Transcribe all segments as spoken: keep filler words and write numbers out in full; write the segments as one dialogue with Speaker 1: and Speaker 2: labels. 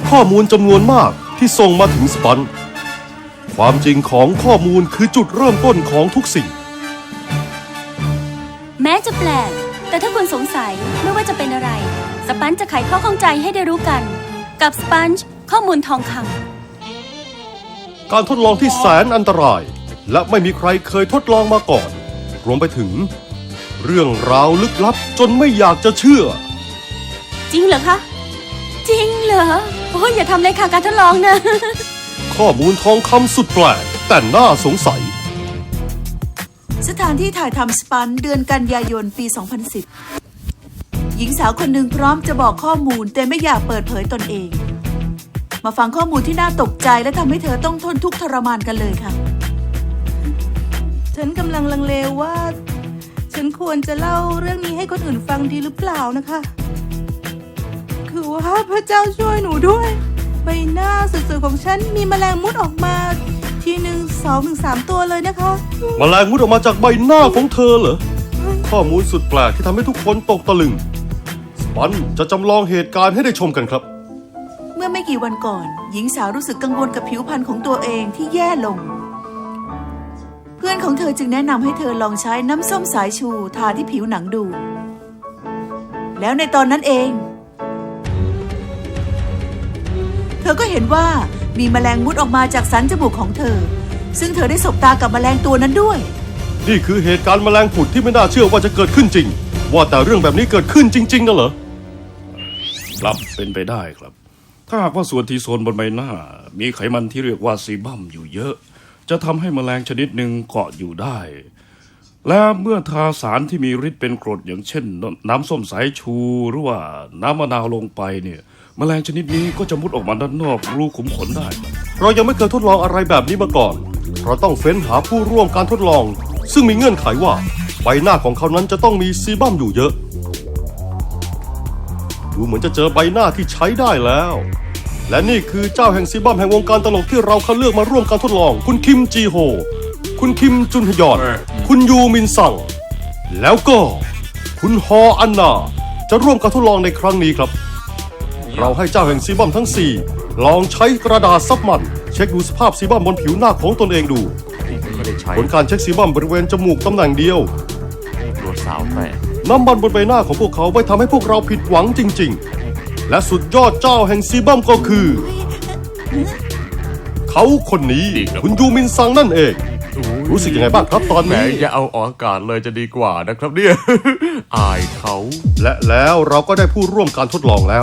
Speaker 1: ข้อมูลจำนวนมากที่ส่งมาถึงสปันความจริงของข้อมูลคือจุดเริ่มต้นของทุกสิ่ง
Speaker 2: แม้จะแปลกแต่ถ้าคุณสงสัยไม่ว่าจะเป็นอะไรสปันจะไขข้อข้องใจให้ได้รู้กันกับสปันข้อมูลทองค
Speaker 1: ำการทดลองที่แสนอันตรายและไม่มีใครเคยทดลองมาก่อนรวมไปถึงเรื่องราวลึกลับจนไม่อยากจะเชื่อ
Speaker 2: จริงเหรอคะจริงเหรอโอ้ยอย่าทำเลยค่ะการทดลองนะ
Speaker 1: ข้อมูลทองคำสุดแปลกแต่น่าสงสัย
Speaker 3: สถานที่ถ่ายทำสปันเดือนกันยายนปี สองพันสิบ หญิงสาวคนหนึ่งพร้อมจะบอกข้อมูลแต่ไม่อยากเปิดเผยตนเองมาฟังข้อมูลที่น่าตกใจและทำให้เธอต้องทนทุกข์ทรมานกันเลยค่ะฉันกำลังลังเลว่าฉันควรจะเล่าเรื่องนี้ให้คนอื่นฟังดีหรือเปล่านะคะคือว่าพระเจ้าช่วยหนูด้วยใบหน้าสวยๆของฉันมีแมลงมุดออกมาทีหนึ่งสองถึงสามตัวเลยนะคะ
Speaker 1: แมลงมุดออกมาจากใบหน้าของเธอเหรอข้อมูลสุดแปลกที่ทำให้ทุกคนตกตะลึงสปันจะจำลองเหตุการณ์ให้ได้ชมกันครับ
Speaker 3: เมื่อไม่กี่วันก่อนหญิงสาวรู้สึกกังวลกับผิวพรรณของตัวเองที่แย่ลงเพื่อนของเธอจึงแนะนำให้เธอลองใช้น้ำส้มสายชูทาที่ผิวหนังดูแล้วในตอนนั้นเองเธอก็เห็นว่ามีแมลงมุดออกมาจากสันจมูกของเธอซึ่งเธอได้สบตากับแมลงตัวนั้นด้วย
Speaker 1: นี่คือเหตุการณ์แมลงผุดที่ไม่น่าเชื่อว่าจะเกิดขึ้นจริงว่าแต่เรื่องแบบนี้เกิดขึ้นจริงๆนะเหรอ
Speaker 4: ครับเป็นไปได้ครับถ้าหากว่าส่วนที่โซนบนใบหน้ามีไขมันที่เรียกว่าซีบัมอยู่เยอะจะทำให้แมลงชนิดหนึ่งเกาะอยู่ได้และเมื่อทาสารที่มีฤทธิ์เป็นกรดอย่างเช่นน้ำส้มสายชูหรือว่าน้ำมะนาวลงไปเนี่ยแมลงชนิดนี้ก็จะมุดออกมาด้านนอกรูขุมขนได้
Speaker 1: เรายังไม่เคยทดลองอะไรแบบนี้มาก่อนเราต้องเฟ้นหาผู้ร่วมการทดลองซึ่งมีเงื่อนไขว่าใบหน้าของเขานั้นจะต้องมีซีบัมอยู่เยอะดูเหมือนจะเจอใบหน้าที่ใช้ได้แล้วและนี่คือเจ้าแห่งซีบัมแห่งวงการตลกที่เราคัดเลือกมาร่วมการทดลองคุณคิมจีโฮคุณคิมจุนฮยอนคุณยูมินซังแล้วก็คุณฮออันนาจะร่วมการทดลองในครั้งนี้ครับเราให้เจ้าแห่งซีบัมทั้งสี่ลองใช้กระดาษซับมันเช็คดูสภาพซีบัมบนผิวหน้าของตนเองดูผลการเช็คซีบัมบริเวณจมูกตำแหน่งเดียว
Speaker 5: ตัวสาวแฝด
Speaker 1: น้ำมันบนใบหน้าของพวกเขาไม่ทำให้พวกเราผิดหวังจริงๆและสุดยอดเจ้าแห่งซีบัมก็คือเขาคนนี้คุณยูมินซังนั่นเองรู้สึกยังไงบ้างครับตอนนี้
Speaker 5: แหมอย่าเอาออกอากาศเลยจะดีกว่านะครับเนี่ยอายเขา
Speaker 1: และแล้วเราก็ได้ผู้ร่วมการทดลองแล้ว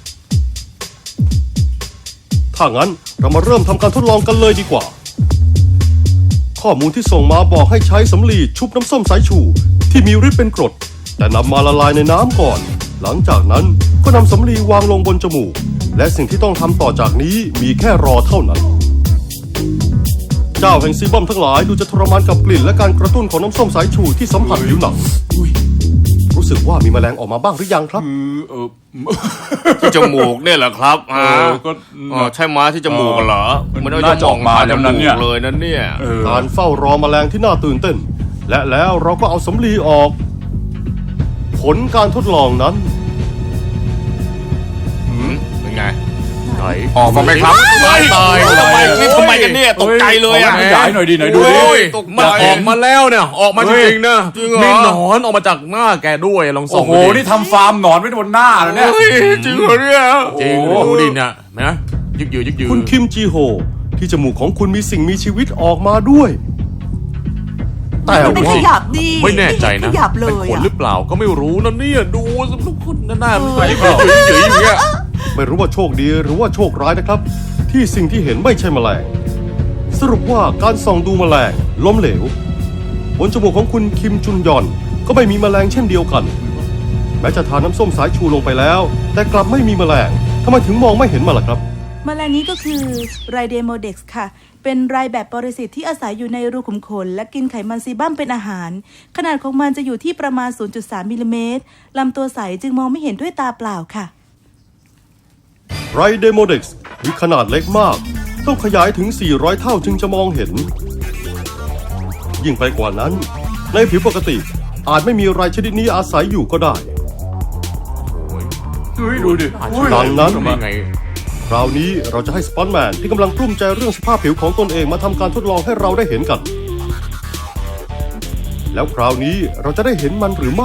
Speaker 1: ถ้างั้นเรามาเริ่มทำการทดลองกันเลยดีกว่าข้อมูลที่ส่งมาบอกให้ใช้สำลีชุบน้ำส้มสายชูที่มีฤทธิ์เป็นกรดแต่นำมาละลายในน้ำก่อนหลังจากนั้นก็นำสำลีวางลงบนจมูกและสิ่งที่ต้องทำต่อจากนี้มีแค่รอเท่านั้นเจ้าแห่งซีบัมทั้งหลายดูจะทรมานกับกลิ่นและการกระตุ้นของน้ำส้มสายชูที่สัมผัสผิวหนังรู้สึกว่ามีแมลงออกมาบ้างหรือยังครับ
Speaker 5: ที่จมูกเนี่ยแหละครับอ่าก็ใช่ม้าที่จมูกเหรอมันน่าจะออกมาจมูกเลยนั่นเนี่ย
Speaker 1: การเฝ้ารอแมลงที่น่าตื่นเต้นและแล้วเราก็เอาสำลีออกผลการทดลองนั้น
Speaker 5: เป็นไง
Speaker 6: ออกมาไหมครับ
Speaker 5: ตายตายทำไมนี่ทำไมกันเนี่ยตกใจเลยอ่ะ
Speaker 6: ขยายหน่อยดิหน่อยดูดิ
Speaker 5: มันออกมาแล้วเนี่ยออกมาจริงๆนะมีหนอนออกมาจากหน้าแกด้วยลองส่อง
Speaker 6: โอ้โหนี่ทำฟาร์มหนอนไว้บนหน้าเลยเนี่ย
Speaker 5: จริงเหรอเนี่ยจริงดูดิเนี่ยนะยึกยือยึกยือ
Speaker 1: คุณคิมจีโฮที่จมูกของคุณมีสิ่งมีชีวิตออกมาด้วย
Speaker 3: แต่ไม่ขยับดี
Speaker 5: ไม่แน่ใจนะเป็นขนหรือเปล่าก็ไม่รู้นะเนี่ยดูทุกคนหน้าไม่ยึกยือยึกยืออย่างเงี้ย
Speaker 1: ไม่รู้ว่าโชคดีหรือว่าโชคร้ายนะครับที่สิ่งที่เห็นไม่ใช่แมลงสรุปว่าการส่องดูแมลงล้มเหลวบนจมูกของคุณคิมจุนยอนก็ไม่มีแมลงเช่นเดียวกันแม้จะทาน้ำส้มสายชูลงไปแล้วแต่กลับไม่มีแมลงทำไมถึงมองไม่เห็นมาล่ะครับ
Speaker 3: แมลงนี้ก็คือไรเดโมเด็กซ์ค่ะเป็นไรแบบปรสิตที่อาศัยอยู่ในรูขุมขนและกินไขมันซีบัมเป็นอาหารขนาดของมันจะอยู่ที่ประมาณ ศูนย์จุดสาม มิลลิเมตรลำตัวใสจึงมองไม่เห็นด้วยตาเปล่าค่ะ
Speaker 1: ไรเดโมเด็กซ์มีขนาดเล็กมากต้องขยายถึงสี่ร้อยเท่าจึงจะมองเห็นยิ่งไปกว่านั้นในผิวปกติอาจไม่มีไรชนิดนี้อาศัยอยู่ก็ได้
Speaker 6: เฮ้ยดูดิ
Speaker 1: ดังนั้นราวนี้เราจะให้สปอนแมนที่กำลังกลุ้มใจเรื่องสภาพผิวของตนเองมาทำการทดลองให้เราได้เห็นกัน แล้วคราวนี้เราจะได้เห็นมันหรือไม่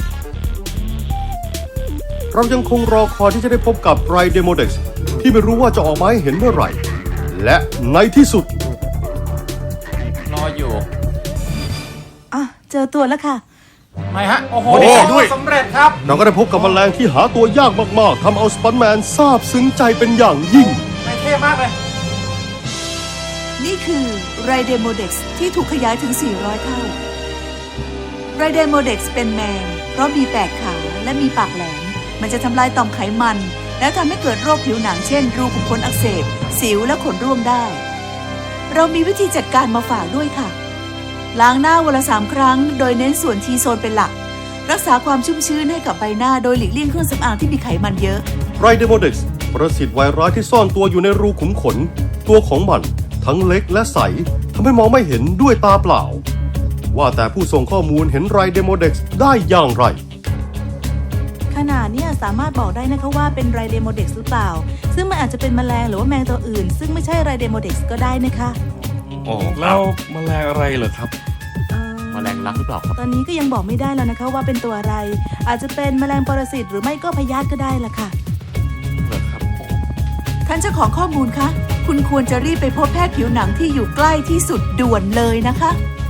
Speaker 1: เรายังคงรอคอยที่จะได้พบกับไรเดโมเด็กซ์ที่ไม่รู้ว่าจะออกมาให้เห็นเมื่อไหร่ และในที่สุด
Speaker 6: รออยู่
Speaker 3: อ่ะ เจอตัวแล้วค่ะ
Speaker 6: ไม่ฮะ โอ้โห
Speaker 5: โอ้ด้วย
Speaker 6: สำเร็จครับ
Speaker 1: เราก็ได้พบกับแมลงที่หาตัวยากมากๆทำเอาสปอนแมนซาบซึ้งใจเป็นอย่างยิ่ง
Speaker 6: ไม่เท่มากเลย
Speaker 3: นี่คือไรเดโมเด็กซ์ที่ถูกขยายถึง สี่ร้อย เท่า ไรเดโมเด็กซ์เป็นแมงเพราะมีแปดขาและมีปากแหลม มันจะทำลายต่อมไขมัน และทำให้เกิดโรคผิวหนังเช่น รูขุมขนอักเสบ สิวและขนร่วงได้ เรามีวิธีจัดการมาฝากด้วยค่ะ ล้างหน้าวันละสามครั้ง โดยเน้นส่วนทีโซนเป็นหลัก รักษาความชุ่มชื้นให้กับใบหน้าโดยหลีกเลี่ยงเครื่องสำอางที่มีไขมันเยอะ
Speaker 1: ไรเดโมเด็กซ์ประสิทธิ์ไวรัสที่ซ่อนตัวอยู่ในรูขุมขน ตัวของมันทั้งเล็กและใสทำให้มองไม่เห็นด้วยตาเปล่า ว่าแต่ผู้ส่งข้อมูลเห็นไรเดโมเด็กซ์ได้อย่างไร
Speaker 3: ขนาดเนี่ยสามารถบอกได้นะคะว่าเป็นไรเดโมเด็กซ์หรือเปล่า ซึ่งมันอาจจะเป็นแมลงหรือว่าแมงตัวอื่น ซึ่งไม่ใช่ไรเดโมเด็กซ์ก็ได้นะคะ
Speaker 5: โอ้
Speaker 4: แล้วแมลงอะไรเหรอครับ
Speaker 3: เอ่อ
Speaker 5: แมลงรักหรือเปล่าครับ
Speaker 3: ตอนนี้ก็ยังบอกไม่ได้แล้วนะคะว่าเป็นตัวอะไร อาจจะเป็นแมลงปรสิตหรือไม่ก็พยาธิก็ได้ล่ะค่ะ
Speaker 4: เหรอครับ
Speaker 3: ท่านเจ้าของข้อมูลคะ คุณควรจะรีบไปพบแพทย์ผิวหนังที่อยู่ใกล้ที่สุดด่วนเลยนะคะ